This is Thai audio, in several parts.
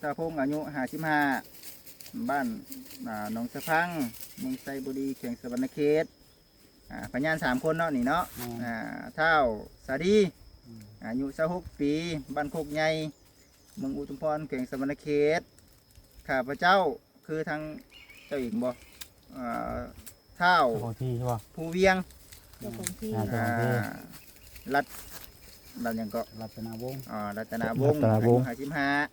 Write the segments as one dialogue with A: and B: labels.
A: ตาพงอายุ55บ้านหนองสะพังเมืองไซบุรีเขตสวรรณเขตพยาน3คนเนาะนี่เนาะเท่าสาดีอายุ26ปีบ้านโคกใหญ่เมืองอุทุมพรเขตสวรรณเขตข้าพเจ้าคือทางเจ้าหญิงบ่เท่าผู้เวียงรัฐยังก็รัตนาวงศ์รัตนาวงศ์อายุ55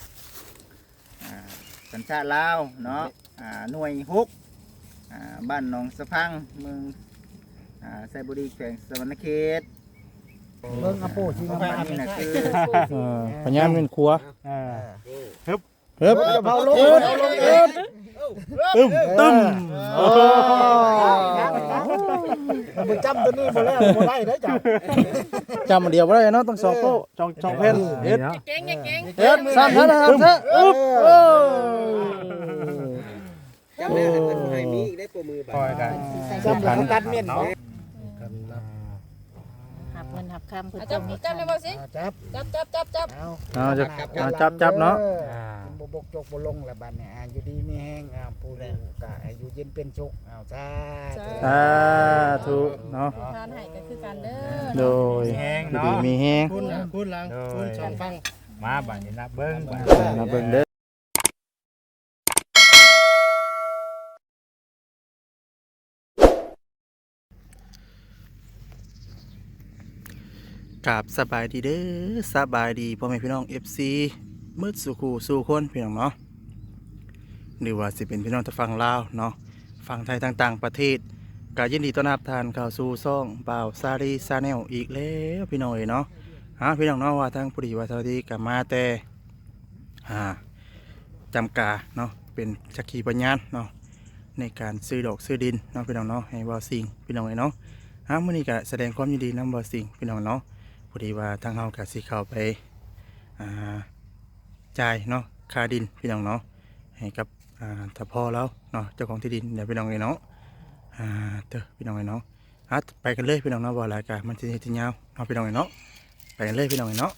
A: สัญชาติลาวเนาะหน่วย6บ้านหนองสะพังเมืองไซบุรีแขวงสวรรณเขต
B: เบิ่งอาโปชิงมา
A: นี่นะคือ
C: พญานเป็นครัวฮึบ
B: เผาลง
C: ตึ้ม
B: มันจำตัวนี้บ่แล้วบ่ได้เด้อจ้ะ
C: จำเดียวบ่ได้เนาะต้อง2โป๊ะ2แผ่นเฮ็ด
D: เก่ง
C: 3เท่านั้นซะอึ๊บ
E: จำได้เป็นไฮมีอีกได้ตัวมือบ่กัน
B: จำแล้วตัดเม่น
D: หับเงินหับคำเพื่อจับเลยบ่สิจับ
C: เอาจับเนาะ
B: บ่บกจกบ่ลงละบัดนี้อยู่ดีมีแห้งผู้ใดก็อยู่เย็นเป็นสุขจ้า
C: ถูกเนาะ
D: ทานให้ก็คือกันเด้อ
C: โดยดีมีแฮง
B: พูดหลังพูด2ฟัง
E: มาบัดนี้นะเบิ่ง
C: เด้อกับสบายดีเด้อสบายดีพ่อแม่พี่น้อง FC มืดสู่คนพี่น้องเนาะหรือว่าสิเป็นพี่น้องทางฝั่งลาวเนาะฝั่งไทยต่างประเทศก็ยินดีต้อนรับทานเข้าสู่ช่องบ่าวซารีชาแนลอีกแล้วพี่น้องเนาะพี่น้องเนาะว่าทางผู้ดีว่าสวัสดีกับมาแต่จำกาเนาะเป็นสักขีพยานเนาะในการซื้อดอกซื้อดินเนาะพี่น้องเนาะให้บ่าวสิงพี่น้องเนาะมื้อนี้ก็แสดงความยินดีนำบ่าวสิงพี่น้องเนาะพอดีว่าทางเฮาก็สิเข้าไปจ่ายเนาะค่าดินพี่น้องเนาะให้กับถ้าพ่อแล้วเนาะเจ้าของที่ดินเดี๋ยวพี่น้องเนาะพี่น้องเนาะไปกันเลยพี่น้องเนาะบ่รายการมันสิที่ยาวเนาะพี่น้องเนาะไปกันเลยพี่น้องเนาะ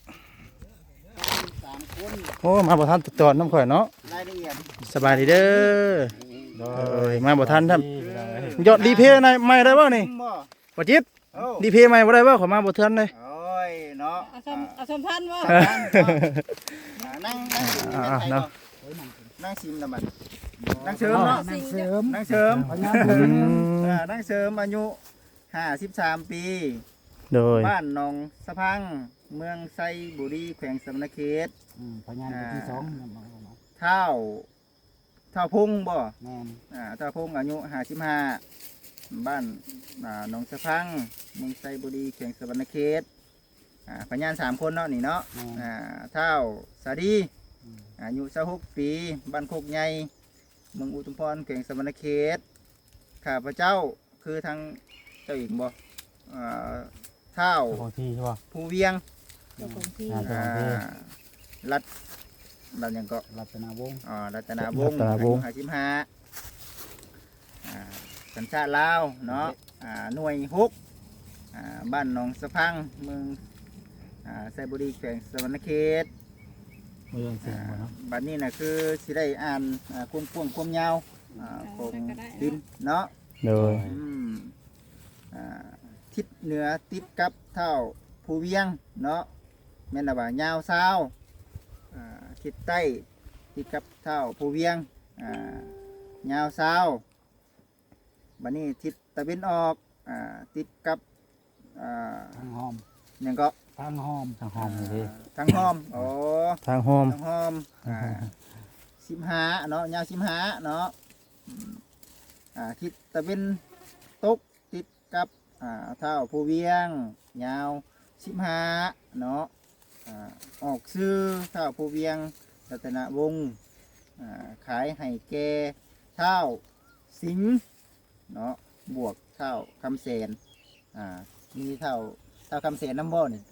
C: โอ้มาบ่ทันตอนน้ำข่อยเนาะสบายดีเด้อมาบ่ทันท่านยอดดีเพย์ใหม่ได้บ่นี่บ่จิตดีเพย์ใหม่บ่ได้บ่ขอมาบ่ทันเลย
A: เนาะ
D: เอาสมพันธ์ว่า
A: นั่งชิมนะมันนั่งเสริมเนาะนั่งเสริมนั่งเสริมอายุ53ปี
C: โดย
A: บ้านหนองสะพังเมืองไซบุรีแขวงสวรรณเขต
B: พญานที่2
A: เท่าพงบ่เท่าพงอายุ55บ้านหนองสะพังเมืองไซบุรีแขวงสวรรณเขตพยาน3คนเนาะนี่เนาะเท่าสาดีอายุ26ปีบ้านโคกใหญ่เมืองอุทุมพรเขตสวรรณเขตข้าพเจ้าคือทางเจ้าหญิงบ่เท่าผู้เวียงรัฐยังก็
B: รัตนาวงศ์
A: รัตนาวงศ์อายุ55สัญชาติลาวเนาะหน่วย6บ้านหนองสะพังเมืองไซบุรีแขวงสวรรณเขตบัดนี้นะคือสิได้อ่านความยาวของดินเนาะ
C: โดย
A: ทิศเหนือติดกับเท่าภูเวียงเนาะแม่นว่ายาวทิศใต้ติดกับเท่าภูเวียงยาวบัดนี้ทิศตะวันออกติดกับ
B: ทางหอม
A: ยังก็
B: ทางหอม
C: นี่
A: ทางหอม
C: ทางหอม
A: 15เนาะยาว15เนาะทิศตะวันตกติดกับเท่าภูเวียงยาว15เนาะออกซื้อเท่าภูเวียงรัตนวงศ์ขายให้แก่เท่าสิงห์เนาะบวกเท่าคำแสนมีเท่าคำเสนน้ำบ่นี่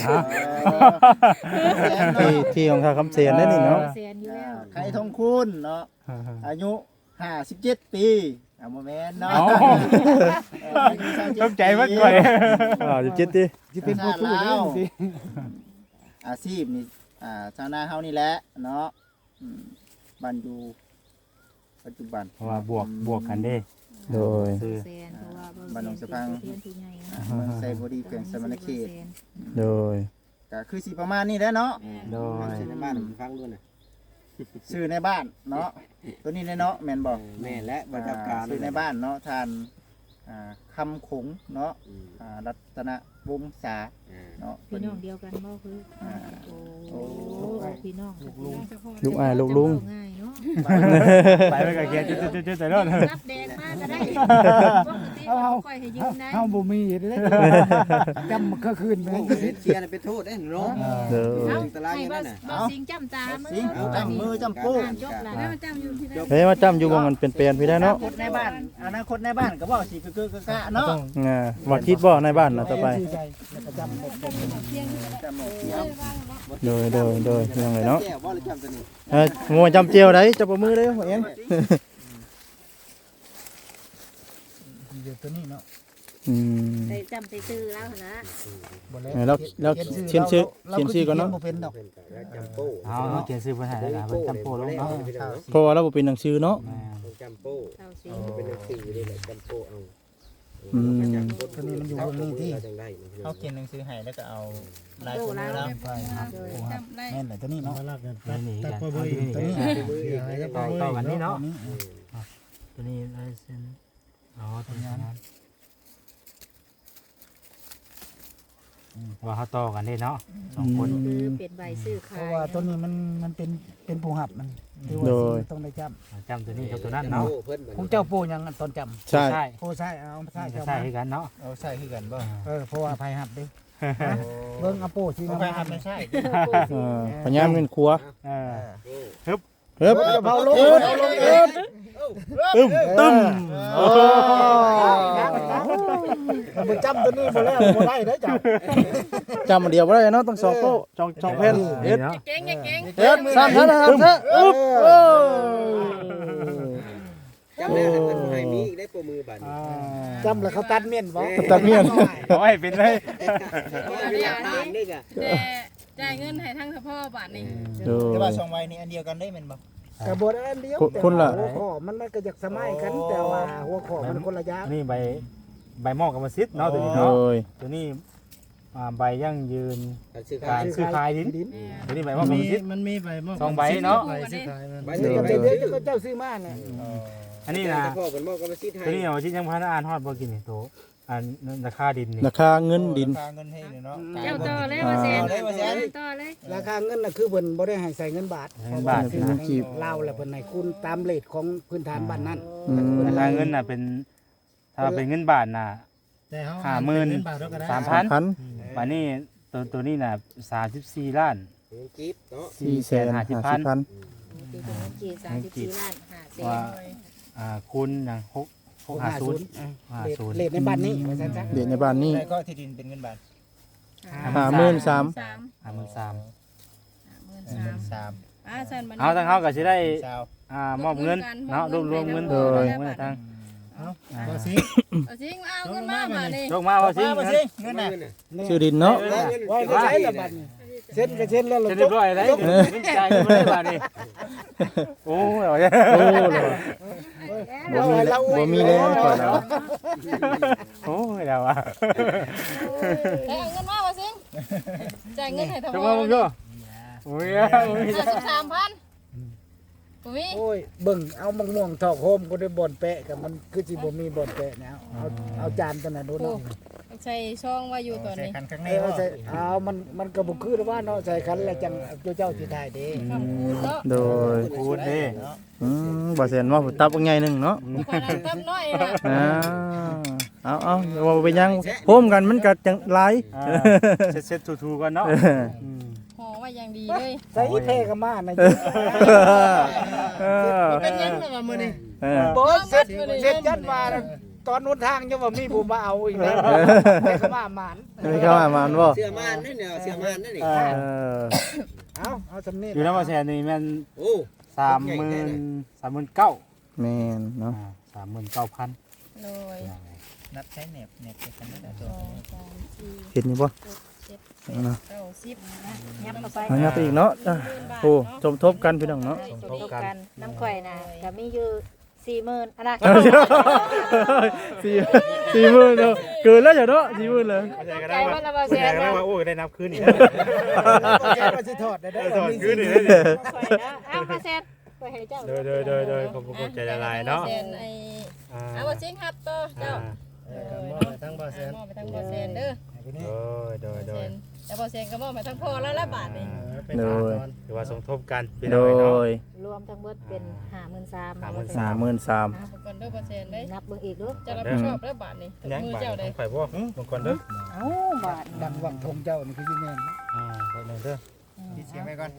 C: ที่ของคำเสียนได้นี่เนาะ
A: ไข่ทองคุณเนาะอายุ57ปีโมเมนต์เนาะ
C: ต้องใจมากกว่า17ดิ
A: ที่เป็นผู้สู้แล้วอาชีพนี่ชาวนาเฮานี่แหละเนาะบ้านอยู่ปัจจุบัน
F: เพราะว่าบวกกันเด้
C: โดย
F: คือ
D: แซนเพราะว่า
A: บ้านหนองสะพัง
D: เพื่อนผู้ใหญ่นะ
A: เมืองไซบุรีแขวงสมณเขต
C: โดย
A: ก็คือสิประมาณนี้แหละเนาะ
F: โดย
E: ชื่อในบ้านฟังด้วยนะ
A: ชื่อในบ้านเนาะตัวนี้เนาะแม่นบอก
E: แม่และบรรยากาศ
A: ชื่อในบ้านเนาะทานคำขงเนาะรัตนวงศาเนาะ
D: พี่น้องเดียวกันบ่คือโอ้พี่น้องลุง
C: ลูกอ้ายลูกลุง
D: ง่ายเนาะ
F: ไปไปกับเกียร์จุดๆๆใส่รถ
D: รับแดงมาก็ได้ปกติค่อยให้ยืมได้
B: เฮาบ่มีเลยจำมันก็คืนไป
E: โอ้เชียร์เป็นโทษได้เนาะ
C: โดย
D: เอาให้บ่สิงจำตามื
A: สิงจำมือจำปู
D: จบละแล้วมันจำอยู่ที่ไหน
C: เฮ้ยมาจำอยู่บ่มันเป็นแปลนพี่ได้เนาะ
A: ในบ้านอนาคตในบ้านก็บอกสิคือกะเนาะ
C: ว่าคิดบ่ในบ้านนะต่อไป
B: แล้วก็จำแบบ
A: จำหมดเสียง
C: โดยยังไงเนาะ
E: แก้วว่าหรือจำตัวนี้
C: งัวจำเจียวได้จับมือได้เอง
B: อยู่ตัวนี้เนาะ
D: ใส่จำใส่ซื้อแล้วนะ
B: บ่แล้
C: แล้วเขียนชื่อก่อนเนาะ
B: บ่เป็นดอก
E: จำโป้
F: เอาเขียนซื้อภาษาได้เพิ่นจำโปลงเนาะ
C: เพราะว่าเราบ่เป็นหนังสือเนาะ
E: จำโป้
D: เอาสิ
E: เป็นหนังสือนี่แหละจำโป้เอา
B: ตัวนี้มันอยู่บนนี้ที่
E: จังได้
A: เขาเขียนหนังสือให้แล้วก็เอาลาย
D: โต
A: มือ
D: แล้ว
A: เรา
B: ไปครับแม่นแหละตัวนี้เนาะ
F: นี่กัน
B: ตัวนี้
F: ต่อกันนี่เนาะตัวนี้ลายเส้นอ๋อตัวนี้นั้นว่าเขาต่อกันได้เนาะ2คน
D: คือเป็นใบซื้อ
B: เพ
D: ขาย
B: ราะว่าตัวนี้มันเป็นผู้หับมันต้องได้จ
F: จำตัวนี้กับตัวนั้น
E: โป้
F: เนาะ
E: เพิ่น
B: ำผู้เจ้าปู่ยังตอนจำ
C: ใช่
F: ใช่
B: ผู้ใช่เอาใช่เจ้า
F: ใช่
B: มา
F: กันเนาะ
A: เอาใส่คือกันบ่
B: เพราะว่าภัยหับดิเบิ่งเอาปู่ที่
A: เขา
B: น้ำ
A: ไป
B: มัน
A: ทำไม่ใช่
C: พญามเป็นครัว
F: เออ
C: เฮ้บ
B: เผาลง
C: ตึ้ม
B: มันจำตัวนี้บ่แล้วบ่ได้เด้อเจ้า
C: จำเดียวบ่ได้เนาะต้อง2โต๊ะ2แผ่นเฮ็ด
F: เนาะ
D: เก่งเก่ง
C: เฮ็ด3ชั้น3ชั้นอึ๊บ
E: จำได้เพิ่นให้มีอีกได้โปรมือบัดนี้
B: จำแล้วเขาตัดเมียนบ่
C: ตัดเมียน
F: เอาให้เป็นเลย
E: มีหลักฐานนี่กะ
D: จ่ายเงินให้ทั้งเฉพาะบาทนี่
A: แต่ว่า2ใบนี้อันเดียวกันได้แม่นบ่
B: กระบวนอันเดียวหัวข้อมันก็อยากสมัยกันแต่ว่าหัวข้อมันคนละอย่าง
F: นี่ใบหม้อกรรมสิทธิ์เนาะตัวนี้
C: โด
F: เนาะ
C: ย
F: ตัวนี้ใบยั่งยืน
E: ซื้อ
F: การซื้อขายดินตัวนี้ใบหม้อกรรมสิทธิ์
A: มันมีใบมอบ
F: 2ใบเนาะ
E: ใบ
B: เดี๋
E: นี้
B: ยว
E: ใบ
B: เดี๋
E: นี้
B: ยวก็เจ้าซื้อมาเนี่ย
F: อันนี้นะ
E: พ่อเพิ่นบอกก็มาซิดให้
F: ตัวนี้เอาชิ้นยังพันอ่านฮอดบ่กินนี่โตอันราคาดินนี่
C: ราคาเงินดิน
A: ค่าเงินให้เนาะ
D: เจ้าต่อเลยว่าแสนต่อเลย
B: ราคาเงินน่ะคือเพิ่นบ่ได้ให้ใส่เงินบาท
F: เงินบาท
B: คือ
F: นะ
B: ลาวแล้วเพิ่นให้คุณตามเรทของพื้นฐานบ้านนั้น
F: ราคาเงินน่ะเป็นถ้าเป็นเงินบาทน่ะ 53,000
C: 1,000
F: วันนี้ตัวนี้น่ะ34ล้าน
E: จิ๊บเนาะ
C: 450,000
D: ปีเป็นเงิน34ล้าน5แสน
F: ว่าคูณอย่าง650
B: เรทในบ้านนี้ว่าซั่นซะ
C: เดี๋ยวในบ้านนี้
A: แล้วก็ที่ดินเป็นเงินบาท
C: 53,000
F: 53,000เอาทางเฮาก็สิได้
A: สาว
F: มอบเงินเนาะรวมเงิน
C: โดย
F: เงินทาง
A: บ่สิ
D: เอาสิเอาเงินมาบาทนี่
F: ยกมาว่าสิ
A: บ่สิเงินน่ะ
C: ชื่อดินเนาะ
B: ไว้ก็ใช้ละบัดนี้เซ็นก็เซ็นแล้ว
F: จะเรียบร้อยแล้วจ่ายไม่ได้บาทนี่โอ้ย
C: โอ้เลยบ่มีแล้วก่อนแล้ว
F: โอ้ยแล้วอ่ะ
D: เอาเงินมาว่าสิจ่ายเงินให้ทั้ง
F: จะ
D: หม
F: มา
D: ด
F: มึงก็โอ้ย
D: 53,000อุ้ย
B: โอ้ยเบิ่งเอามะม่วงทอกโฮมก็ได้บ่อนแปะกับมันคือสิบ่มีบ่อนแปะแล้วเอาจานตัวนั้นดูเนาะ
D: ใส่ช่องว่าอยู่ตอน
A: ใส่
D: นี้
A: คันข้างใน
B: เอา
A: บ่
B: ใส่เอามันก็บ่คือว่าเนาะใส่คันแล้วจังเจ้าสิถ่ายเด้
D: คำพูดเนาะ
C: โดย
F: พูดดิ
C: บ่เซ็นว่าตับว่าไงนึงเนาะ
D: คนนั้นตั้มน้อยล่ะ
C: เอาว่าไปยังโฮมกันมันก็จังหลาย
F: เซ็ตทูๆกันเนาะ
D: ห่อไว้อย่างดีเลย
B: ใส่เพก็มานะ
A: เป็นยังล่ะมื้อนี้
B: บ่เสร็จยันมาตอนนู้นทางยังว่ามีผู้มาเอาอีกแล้วแต่ก็มาหมาน
C: ไม่เข้ามามันบ่
E: เสื้อม่านนั่นเนี่ยเสื้อม่านนั่นนี่
B: เอาสำเนียง
F: อยู่น้ำมาแสนนี่แม่น
E: โอ้
F: 39,000
C: แม่นเนาะ
F: 39,000
D: โดย
A: นับใช้แหนบกันได้ตัว
C: เห็นอยู่บ่
D: 7
C: เนาะ
D: ยับเข้าไป
C: เอางับไปอีกเนาะโอ้สมทบกันพี่น้องเนาะ
D: สมทบกันน้ำข่อยน่ะก็มีอยู่40,000อันน่ะ
C: 40,000เนาะเกินแล้วจ้ะเนาะ40,000เลย
D: ใจว่าละบ่แซ่บนะ
F: โอ้ได้นับคืนอีก
B: ก็สิถอดได้
F: ถอดคืนอีก
D: ข่อยนะเอามาแซ่บข่อยให้เจ้า
F: โดยขอบคุณใจละลายเนาะ
G: เอาบ่ซิงครับต่อเจ้า
F: มอบไปทั้งบ่แสน
G: มอบไปทางบ่แซนเด้อ
F: โดย
G: แต่บ่แซนก็มอบไปทางพ่อแล้วละบาทนี่
C: โดย
F: ถือว่าสมทบกันพี่
C: โด
F: น้องเนาะ
C: ย
D: รวมทั้งเบิดเป็น53,000
C: 33,000
G: เอาก่อนเด้อบ่แซนเด้
D: นับเบิ่งอีกดู
G: จะรับผิดชอบแล้วบาทนี่
F: ยัง
G: มือบ
F: าท
G: เจ้าได้
F: ข่อยบ่บางคนเด้อ
D: เอ้าบาท
B: ดังวังทงเจ้านี่คือสิแม่น
F: ไปหนึ่งเด้อ
A: ปิดเสียงไว้ก่อน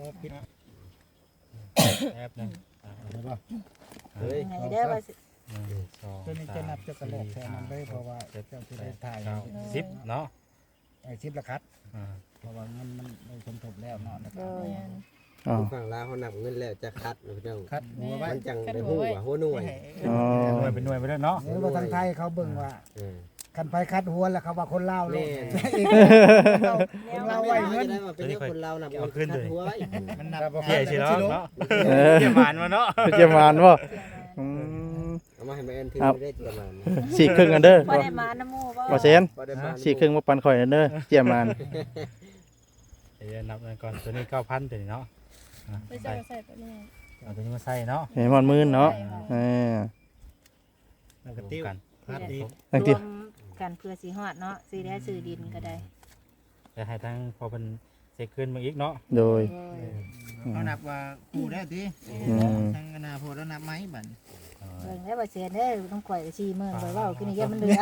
F: แอบนึง
B: ได้บ่
E: เฮ้ย
D: ไหนเด้อว่าสิ
B: ตัวนี้จะนับจะกระโดดแทนมันได้เพราะว่าเจ้าสิได้ถ่าย
F: 10เนาะ
B: ไอ้ชิปละคัดเพราะว่ามันได้สมทบแล้วเนาะนะค
D: โด
B: รับ
D: ย
C: อ๋อ
E: ฝั่งลาวเขานับเงินแล้วจะคัดพี่น้อง
B: คัดหัวไว้
E: มันจังได้ฮู้ว่าหัวหน่วย
C: อ๋อ
F: หน่วยเป็นหน่วยไปแล้วเนาะ
B: หรือว่าทางไทยเขาเบิ่งว่า
E: เออ
B: คันไผคัดหัวแล้วเขาว่าคนลาวโลด
E: แม่
B: คนลาวไว้เงิน
E: ได้มาเป็นคนลาวนับเงินคัดหัวไว้
B: มันนับ
F: เกี่ยสิเนาะเนาะเกี่ยหมานมาเนาะ
C: เป็นเจียมานบ่อืม
E: เอามาให้แม่นถือได้ประมาณ
C: สี่ครึ่งกันเด้อ
D: บ่ได้มาน้ำหมู่บ่
C: บ่เซน
E: บ่ได้มา
C: สี่ครึ่งมาปันข่อยเด้อเจียมาน
F: เดี๋ยวนับก่อนตัวนี้ 9,000ตัวนี้เนาะ
G: ไปเจ้าใส่ตัวนี้
F: เอาตัวนี้มาใส่เนาะ
C: เห็นมันมื่นเนาะเออ
F: แล้วก็ติ้วกัน
C: ตั้ง
D: ร
C: ที่
D: วมกันเพื่อสิฮอดเนาะสิได้ซื้อดินก็ได้
F: จะให้ทั้งพอเป็นเซ็กขึ้นมาอีกเนาะ
C: โดย
A: เขานับว่ากูได้ติ
C: อืม
A: ทางอนาคตแล้วนับไหมบัด
D: เบิ่งแล้วบ่เสียเด้อต้องข่อยก็40,000บ่เว้าคือนี่อย่ามันเหลือ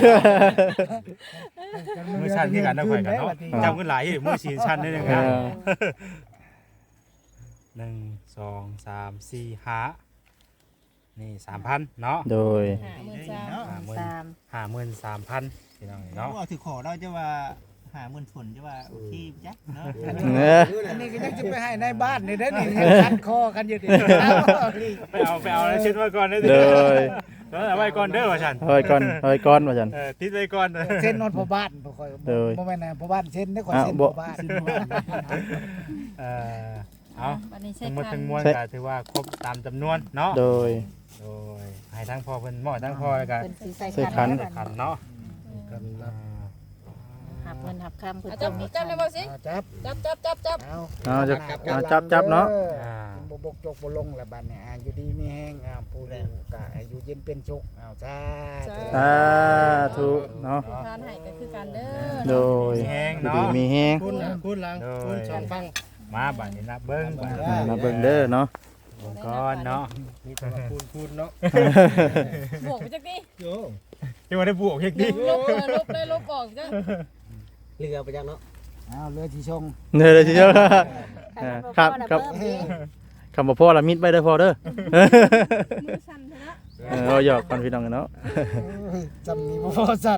F: มือชันที่กันนะข่อยกันเนาะจำกันหลายมือ4ชั้นได้นึงนะ1 2 3 4 5นี่ 3,000เนาะ
C: โดย
F: 53,000พี่น้องเนาะ
A: ว่าถือขอเราจะว่า50,000ฝนจะว่าโอเคจ๊ะเนาะ
B: อันนี้ก็ยังจะไปให้ในบ้านนี่ได้นี่คัดคอกันอยู่ดิ
F: ไปเอาแล้วเช็ดไว้ก่อนได้
C: โดย
F: เอาไว้ก่อนเด้อว่าฉัน
C: เฮ้ยก่อนว่าจัน
F: ติดไว้ก่อน
B: เส้นนอนพ่อบ้านบ่ค่อย
C: โดย
B: บ่แม่นพ่อบ้านเส้นได้ข่อย
C: อ้าว
B: เส้น
C: บ่
B: พ่อบ้าน
F: เอา
G: บัดนี้ใช้
F: ทั้งหมด
G: คั
F: ทั้
G: น
F: งมวลก็ถือว่าครบตามจำนวนเนาะ
C: โดย
F: โดยให้ทั้งพ่อเพิ่นหมอทั้งพ่อแล้วก็
D: เพิ่นสิใส่
C: ใส่ขั
D: คั
C: น
D: น
F: ขันเนาะ
D: หับเงินหับคำเพิ่น
G: เอา
D: ต้
G: จั
D: อบ งมี
G: จับเลยบ่ซิง
B: จับ
G: จับ
B: เอา
C: เอาจะจับเนาะ
B: บ่บกจกบ่ลงละบัดนี้อยู่ดีมีแห้งผู้อยู่ก็ให้อยู่เย็นเป็นสุขเอาจ้า
C: สาธุเนาะ
G: ทานให้ก็คือกันเด้อ
C: โดย
F: แห้ง
C: ดี
F: เนาะ
C: มีแฮง
F: คุณหลังคุณสองฟังมาบัดนี้นะเบิ่งบัด
C: มาเบิ่งเด้อเนาะ
F: ก่อนเนาะ
E: มีแต่ว่าพูดเนาะ
G: บวกไปจักดิ
F: ที่ว่าได้บวกเฮ็ดดิ
G: ลบได้ลบออกจ้ะ
E: เรือไปจังเนาะ
B: เอาเรือที่ชง
C: เด้อทีเดียวครับ
D: ค
C: ครั
D: รับบ
C: คำบ่พ่อละมิดไปเด้อพ่อเด้อ
G: มือสั่นเถอะนะ
C: เอาหยอกกันพี่น้องกันเนาะ
B: จำนี้บ่พอสั่น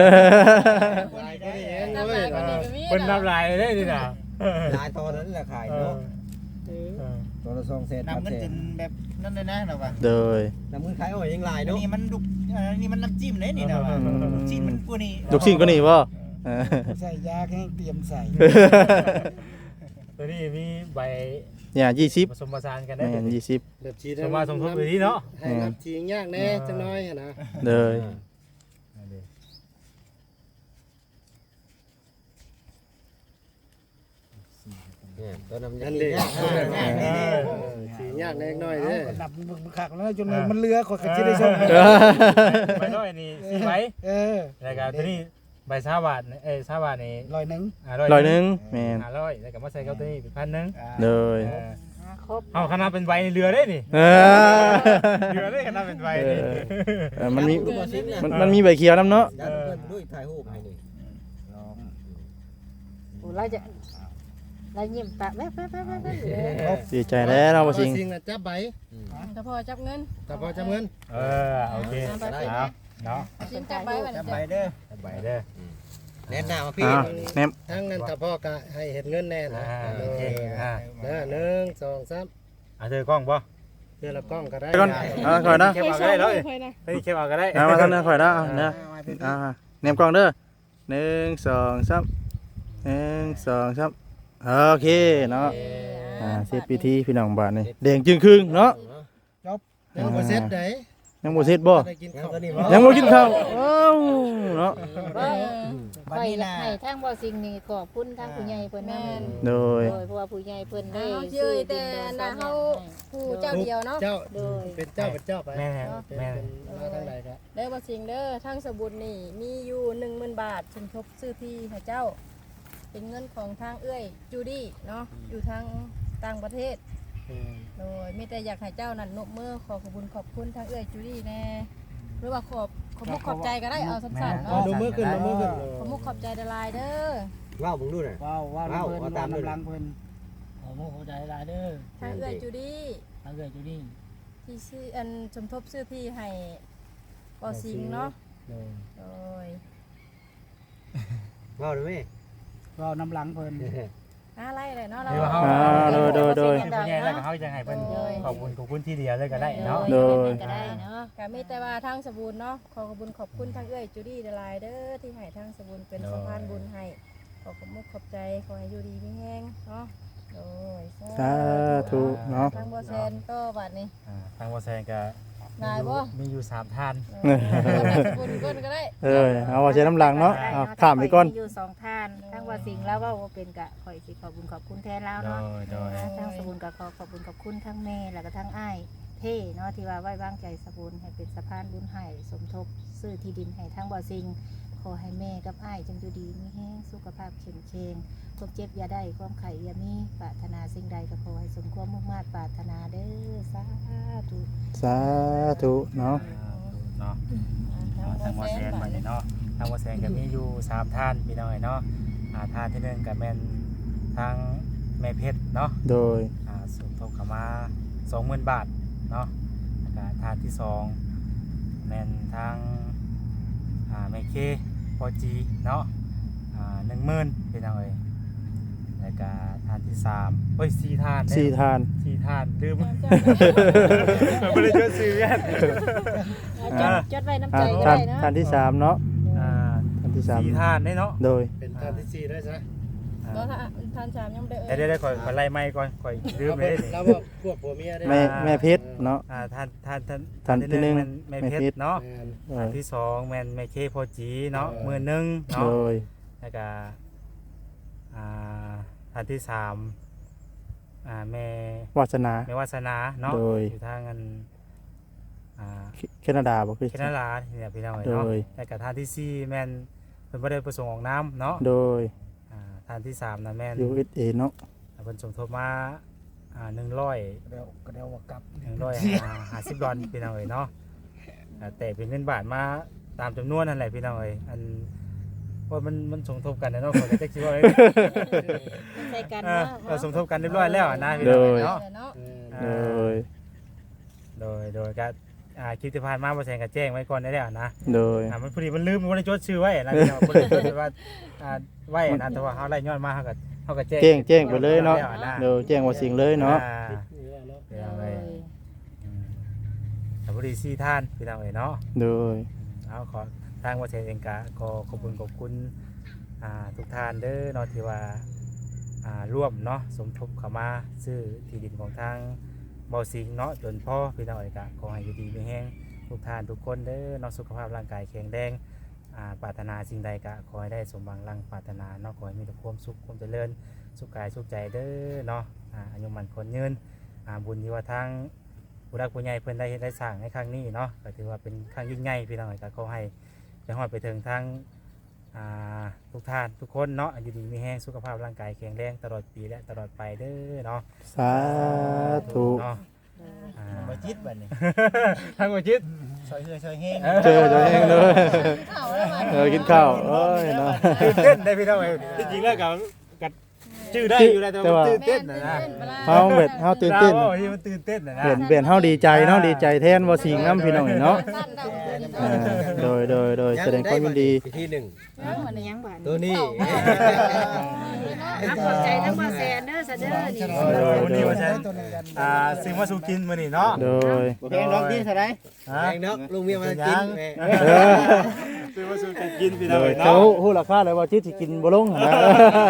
G: น้ำลายกว่านี้ก็มี
F: เพิ่นนับลายได้ดิน่ะ
E: ลายตอนนั้นแหละขายเนาะตัวละ2 แสน
A: นำเงินจนแบบนั่นเลยนะเราว่า
C: โดย
E: น้ำมือขายอ้อยยังลาย
A: อัน
E: เนาะ
A: นี้มันลูกอันนี้มันน้ำจิ้มเลยนี่นะว่าจิ้มมันกูนี่
C: ลูกชิ้นก็นี่บ่
B: ใส่ยาแห้งเตรียมใส่
F: ตัวนี้มีใบ
C: เนี่ย20
F: ผสมผสานกันได้
C: แม่น20
E: แบบชี
F: สมมาสมทบอยู่ที่เนาะ
E: ให้นับชียากแน่จังน้อยนะ
C: เด้อ
E: เนี่ยตัวน้ำ
H: นั่นเด้
E: ชียากแน่น้อยเด้อ
B: นับมึงคักแล้วจนมันเรือข่อยก็สิได้ชง
F: ใบน้อยนี่4ใบ แล้วก็ตัวนี้ใบซาบาทซาบาทนี่
B: ร้อยหนึง
C: ร้อยหนึงแม่น
F: 500แล้วก็มาใส่กับตัวนี้เป็น1,000นึง
C: โดย
D: ครบ
F: เอาขนาดเป็นใบในเรือได้นี่
C: เออ
F: เรือได้ขนาดเป็นใบนี่
C: มันมีมันมีใบเขียวนํเนาะ
E: ดันเพิ่นด้วยถ่ายรูปให้นี่
D: โอ้เราจะเรายิ้มปากแป๊บๆๆ
C: ดีใจแล้วเนาะบ่สิง
H: สิ่งน่ะจับใบ
G: ถ้าพอจับเงิน
H: แต่พอจับเงิน
F: โอเคเอาเนาะ
G: ซิงจับไปบัด
A: จับ
G: นี้
A: ไปเด้อ
F: ใบเด้อ
E: แนะนำมาพี่
C: อ้าวแม่ม
H: ทั้งนั้นถ้าพ่อก็ให้เห็นเงินแน่นะ
F: โอเค
H: เด้อ1 2 3
F: เธอกล้องป่ะ
H: เดือนละกล้องก็ได้
C: ก่อนก่อนนะ
F: เก็บเอาก็ได้เลยเฮ้ยเก็บเอาก็ได้
C: มาทางนี้ข่อยนะเด้อแนมกล้องเด้อ1 2 3 1 2 3โอเคเนาะเสร็จพิธีพี่น้องบ้านนี่แดงจึงครึ่งเนาะ
H: ยังบ่เสร็จได้
C: ยังบ่เสร็จบ่
H: ได้กินข้าว
C: ยังบ่กินข้าวอ้าวเนาะ
B: บัด
D: ข่อย
B: นี้
D: อยาก
B: นะ
D: ให้ทางบ่สิ่งนี้ขอบคุณทางผู้ใหญ่เพิ่นนำ
C: โดย
D: เพราะว่าผู้ใหญ่เพิ่นได้
G: เฮาชื่อแต่น่ะเฮาผู้เจ้าเดียวเนาะ
H: เจ้า
D: โดย
H: เป็นเจ้าไป
F: แม่
H: เป็น
F: แม่
H: มาทางใดก็
G: เด้อบ่สิงเด้อทั้งสบุญนี่มีอยู่ 10,000 บาทสมทบซื้อที่ให้เจ้า เป็นเงินของทางเอื้อยจูดี้เนาะอยู่ทางต่างประเทศ โดยมีแต่อยากให้เจ้านั่นนบมือขอขอบคุณทางเอื้อยจูดี้แน่หรือว่าขอบใจก็ได้เอาสั้นๆ
H: เอา
G: เนาะ
H: ดูมือขึ้นดูมือขึ้น
G: ขอบใจดลายเด้อ
E: ว้าวมึงดูหน่อย
B: ว้าวว้าว
E: ว้าว
B: เพิ่น
E: เอาตามด้วย
B: น้ำลังเพิ่นขอโมโหใจหลายเด้อ
G: ทางเอื้อยจูดี้
B: ทางเกิดอยู่นี่
G: ที่ชื่ออันสมทบซื้อที่ให้บ่สิงเนาะโดย
E: ว้าวได้ไหม
B: ว้าวน้ำลังเพิ่น
G: อะไรเลยเนาะเรา
F: เดี๋ยวเฮา
C: โดย
F: ที่ผู้ใหญ่แล้วก็เฮาจะให้เพิ่นขอบคุณที่เดียวเลยก็ได้เนาะ
C: โดย
D: ก็ได้เนาะ
G: ก็มีแต่ว่าทางสบูนเนาะขอขอบคุณทางเอื้อยจูดี้ดลายเด้อที่ให้ทางสบูนเป็นสะพานบุญให้ขอขอบใจขอให้อยู่ดีมีแห้งเนาะโดย
C: สาธุเนาะ
G: ทางบ่แซนก็บัดนี้
F: ทางบ่แซงก็
G: นายบ่
F: มีอยู่3ท่าน
G: สบูนก้นก็ได้
C: เอาว่าใช้น้ำลังเนาะเอาข้ามไปก่อน
D: มีอยู่2ท่านทางว่าสิ่งแล้วว่าบ่เป็นกะข่อยสิขอบคุญขอบคุณแทนแล้ว
F: โด
D: เนาะ
F: ยโดย
D: ทางสบุญก็ขอขอบคุณขอบคุณทั้งแม่แล้วก็ทั้งอ้ายเท่เนาะที่ว่าไว้วางใจสบุญให้เป็นสะพานบุญให้สมทบซื้อที่ดินให้ทั้งบ่อซิงขอให้แม่กับอ้ายจงอยู่ดีมีแห้งสุขภาพเข้มแข็งความเจ็บอย่าได้ความไข้อย่ามีปรารถนาสิ่งใดก็ขอให้สมความมุ่งมั่นปรารถนาเด้อสาธุ
C: สาธุเนาะ
F: เนาะทางบ่แซงบัดนี้เนาะทางบ่แซงก็มีอยู่3ท่านพี่น้องเนาะท่านที่1ก็แม่นทางแม่เพชรเนาะ
C: โดย
F: สมทบเข้ามา 20,000 บาทเนาะแล้วก็ทานที่2แม่นทางแม่เคพอจีเนาะ10,000เป็นจังไดแล้วก็ทานที่3เอ้ย4ทาน
C: 4 ทาน
F: 4ทานลืมบ่ได้จดชื่อแม่น
D: จดไว้น้ำใจก็
C: ทาน
D: ได้เนาะ
C: ทานที่3เนาะทานที่
F: 4ทานได้เนาะ
C: 3โดย
H: เป็นท่านที่4ได้ซะ
G: ก็ทานชามยังบ่ได้
F: เดี๋ยวขอไล่ไม้ก่อนขอลืมไปได้นี่
H: แล้วบอกพวกผัวเมียได้
C: แม่เพชรเนาะ
F: ท่านที่หนึ่ง
C: แม่
F: แม่
C: เพ
F: เพ
C: ช
F: ช
C: ร
F: รเนาะ
H: แม่น
F: ท่านที่2แม่นแม่เคพอจีเนาะมือหนึง
C: โด
F: เนาะ
C: ย
F: แล้วก็ท่านที่3แม่
C: วาสนา
F: แม่วาสนาเนาะ
C: โดย
F: อยู่ทางอัน
C: แคนาดาบ่คือ
F: แคนาดาเนี่ยพี่น้อง
C: โด
F: เนาะ
C: ย
F: แล้วก็ท่านที่4แม่นเพิ่นบ่ได้ประสงค์ออกน้ำเนาะ
C: โดย
F: ท่านที่3น่ะแม่น
C: USA เนาะ
F: เพิ่นสมทบมา100
B: เดี๋ยวว่ากลับ
F: $150พี่น้องเนาะแต่เป็นเงินบาทมาตามจำนวนนั่นแหละพี่น้องอันว่ามันสมทบกันนะเนาะขอได้คิดว่า
D: ใส่กันเนาะ
F: เราสมทบกันเรียบร้อยแล้วนะพี่น้องเนาะ
G: เนาะ
C: โดย
F: ก็คลิปที่ผ่านมาบ่แซงก็แจ้งไว้ก่อนได้แล้วนะ
C: โดย
F: มันพอดีมันลืมบ่ได้จดชื่อไว้นะพี่น้องบ่ได้จดว่าไว้นะแต่ว่าเฮาไล่ย้อนมาเฮาก็แจ้ง
C: แจ้งไปเลยเนาะโดยแจ้งว่าสิ่งเลยเนาะ
F: พี่น้องแต่พอดี4ท่านพี่น้องเนาะ
C: โดย
F: เอาขอทางวัดเชนเองกะขอขอบคุณทุกท่านเด้อเนาะที่ว่าร่วมเนาะสมทบเข้ามาซื้อที่ดินของทางเบาสิงเนาะจนพ่อพี่น้องเอกะขอให้อยู่ดีมีแห้งทุกท่านทุกคนเด้อเนาะสุขภาพร่างกายแข็งแรงปรารถนาสิ่งใดกะขอให้ได้สมหวังรังปรารถนาเนาะขอให้มีแต่ความสุขความเจริญสุขกายสุขใจเด้อเนาะอายุมันคนยืนบุญที่ว่าทางผู้รักผู้ใหญ่เพิ่นได้สร้างในครั้งนี้เนาะก็ถือว่าเป็นครั้งยิ่งใหญ่พี่น้องเอกะขอให้ไปฮอดไปถึงทางทุกท่านทุกคนเนาะอยู่ดีมีแห้งสุขภาพร่างกายแข็งแรงตลอดปีและตลอดไปเด้อเนาะ
C: สาธุ
F: เนาะ
E: บ่จิตบัดนี้
F: ทางบ่จิต
E: ซอยแห้ง
C: เจอตัวเองเลย
G: ข้าวแล้วมา
C: กินข้าวโอ้ยเนาะ
F: ตื่นเต้นได้พี่น้องเอ้ยจริงๆแล้วก็ชื่อได้อยู่แล้วแต่ว่าตื่นเต้นนะ
C: เฮาเบ็ดเฮาตื่นเต้น
F: ที่มันตื่นเต้นนะ
C: เปลี่ยนเฮาดีใจเนาะดีใจแทนว่าสิ่งน้ำพี่น้องเนาะโดยแสดงความยินดี
E: ที่หนึ่ง
D: มันยังบาด
E: ตัวนี้
D: ขอบใจทั้งบ่แซนเด้อซะเด้อนี่
F: วันนี้ว่าฉันสิ่งมาสู่กินมื้อนี้เนาะ
C: โดย
E: บ่แพงดอกที่เท่าไหร่แพงดอกลุงเมียมากินแม่
F: ซื้อมาสู่กันกินพี่
C: โด
F: น้อง
C: ย
F: เนาะ
C: เขาฮู้ราคาเลยว่าจิตสิกินบ่ลงหั่นนะ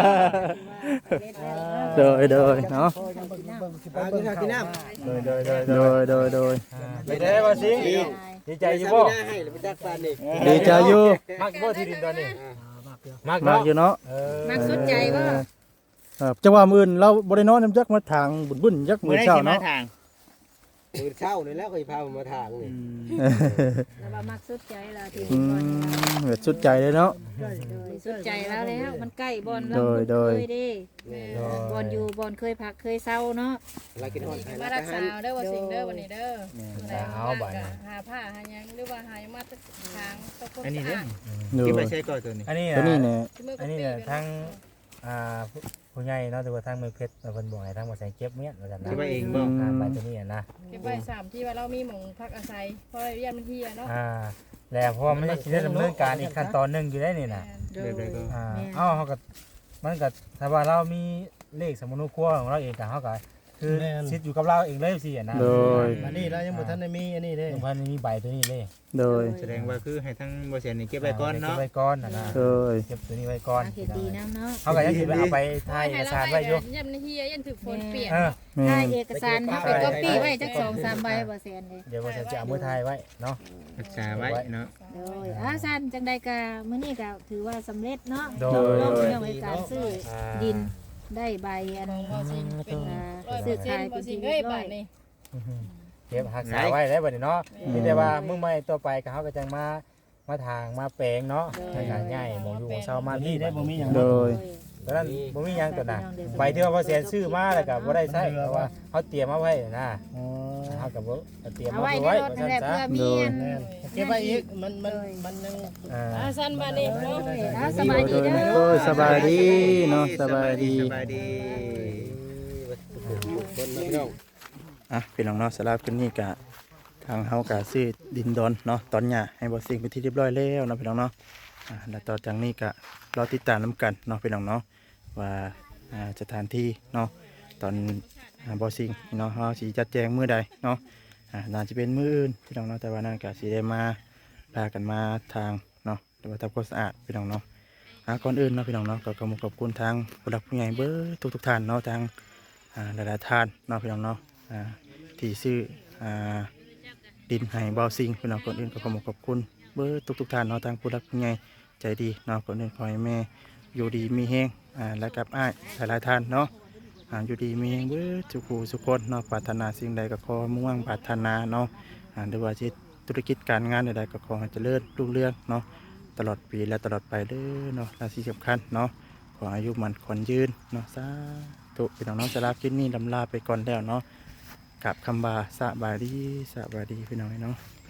C: โดยเนาะ
E: กินข้าวกินน้ำ
F: โดย
C: โดย
F: ไปได้บ่สิดีใจอยู่บ่
E: ให้ไปจักปานนี่
C: ดีใจอยู่
F: มักบ่ที่ดินตอนนี้มัก
C: มากอยู่เนาะ
D: มักสุดใจบ่
C: จังหวะมื้ออื่นเราบ่ได้นอนนำจักมาทางบุญจักมื้อเช้าเนาะ
E: มื้อเช้านี่แล้วก็สิพาผมมาทางนี่
D: แล้วว่ามักสุดใจแล้วที่
C: อื
D: บ่อนนี่
C: มแบบสุดใจเลยเนาะ
D: สุดใจแล้วมันใกล้บ่อน
C: โดย
D: เคยเด้บ่อนอยู่บ่อนเคยพักเคยเศร้าเนาะ
E: เรากินฮอดไทย
G: มา
E: รั
G: รั
E: ก
G: ก
E: ษา
G: ษาเด้อว่าสิ่งเด้อวันนี้เด้อ
F: เอาบ่
G: หาผ้าหาหยังหรือว่าหามาตะทางตะคน
A: อันนี้เด้
C: โด
A: กินไป
C: ย
A: ใช้ก่อนตัวนี้
F: อันนี้
C: ตัวนี้เนี่ย
F: อันนี้ทั้งผู้ใหญ่เนาะหรือว่าทั้งมือเพชรเพิ่นบอกให้ทั้งบ่ใส่เก็บเมียนว่าซั่นนะ
A: คิดว่าเองบ่
F: ใบตัวนี้นะ
G: เก็บไว้3ที่ว่าเรามีหม่องพักอาศัยเพราะเรียนมันเฮียเนาะ
F: แล้วเพราะว่ามันจะดำเนินการอีกขั้นตอนหนึงอยู่ได้นี่น่ะ
D: โดย
A: แบบใดก็
F: เอ้าเฮาก็มันก็ถ้าว่าเรามีเลขสมุนครัวของเราเองก็เฮาก็คือสิทธิ์อยู่กับเราเองเลยสินะ
C: โดย
H: อันนี้เรายังบ่ทันได้มีอันนี้เด้
F: ลุงพันธุ์มีใบตัวนี้เลย
C: โดย
A: แสดงว่าคือให้ทั้งบ่เสียนี่เก็บไว้ก่อนเนาะ
F: เก็บไว้ก่อนนะ
C: โดย
F: เก็บตัวนี้ไว้ก่อน
D: เฮ็ดดีนะเนาะ
F: เฮาก็ยังสิเอาไปถ่ายเอกสารไว้อยู่
G: ยันเฮียยันถึกฝนเปียก
F: เออ
C: แม่
D: ถ่าย
C: น
D: เอกสารเฮาไปก๊อปปี้ไว้จัก2-3ใบบ่แซนเลย
F: เดี๋ยวว่าจะเอามือถ่ายไว้เนาะ
A: รักษาไว้เนาะ
D: โดยซั่นจังใดก็มื้อนี้ก็ถือว่าสำเร็จเนาะ
F: โด
D: ลง
F: ย
D: เรื่องในการซื้อดินได้ใบอัน
G: บ่สิเป็น
D: ซื้อขาย
G: บ่
D: เป็น
G: สิ
D: ที่
G: เอ้
D: เรี
G: ย
D: ยบร้
G: บา
D: อย
G: ดนี้
F: เก็บรักษาไว้ได้บัดนี้เนาะมีแต่ว่ามื้อใหม่ต่อไปก็เฮาก็จังมาทางมาแปลงเนาะในการง่ายหมองอยู่ของชาวมาที่ได้บ่มีหยัง
C: โดย
F: ตอนนั้นบ่มีหยังตัวน่ะใบที่ว่าบ่แสนซื้อมาแล้วก็บ่ได้ใช้เพราะว่าเฮาเตรียมมาไว้นะเฮาก็บ่เตรียม
D: เอา
F: มา
D: ไว้ใน
F: ไว้
D: รถนั่นแหละเพื่อมีอัน
H: เก็บไว้อีกมันยัง
G: สั้นบาดนี้เนาะ
D: สบายดีเด้
C: โด
D: อย
C: สบายดีเนาะสบายดี
A: สบายดี
E: คนพี่น้อง
C: อ่ะพี่น้องเนาะสำหรับคืนนี้กะทางเฮากะซื้อดินดอนเนาะตอนหญ้าให้บ่สิ่งเป็นที่เรียบร้อยแล้วเนาะพี่น้องเนาะแล้วต่อจากนี้กะรอติดตามนํกันเนาะพี่น้องเนาะว่าสถานที่เนาะตอนบ่สิ่งเนาะเฮาสิจัดแจงมื้อใดเนาะน่าจะเป็นมื้ออื่นพี่น้องเนาะแต่ว่านั่นกะสิได้มาพากันมาทางเนาะหรือว่าทำความสะอาดพี่น้องเนาะก่อนอื่นเนาะพี่น้องเนาะก็ขอบคุณทางผู้หลักผู้ใหญ่เบิดทุกท่านเนาะทางหลายๆท่านเนาะพี่น้องเนาะที่ซื้อดินให้บ่าวซิงพี่น้องก่อนอื่นก็ขอบคุณเบิดทุกท่านเนาะทางผู้หลักผู้ใหญ่ใจดีเนาะก่อนอื่นขอให้แม่อยู่ดีมีแฮงและกับอ้ายหลายๆท่านเนาะอยู่ดีมีแฮงเบิดทุกผู้ทุกคนเนาะปรารถนาสิ่งใดก็ขอมุ่งหวังปรารถนาเนาะหรือว่าธุรกิจการงานใดๆก็ขอให้เจริญรุ่งเรืองเนาะตลอดปีและตลอดไปเด้อเนาะและที่สำคัญเนาะขออายุมันขวัญยืนเนาะสาธุพี่น้องสำหรับคลิปนี้ลำลาไปก่อนแล้วเนาะกับคำบาสบายดีพี่น้องเนาะ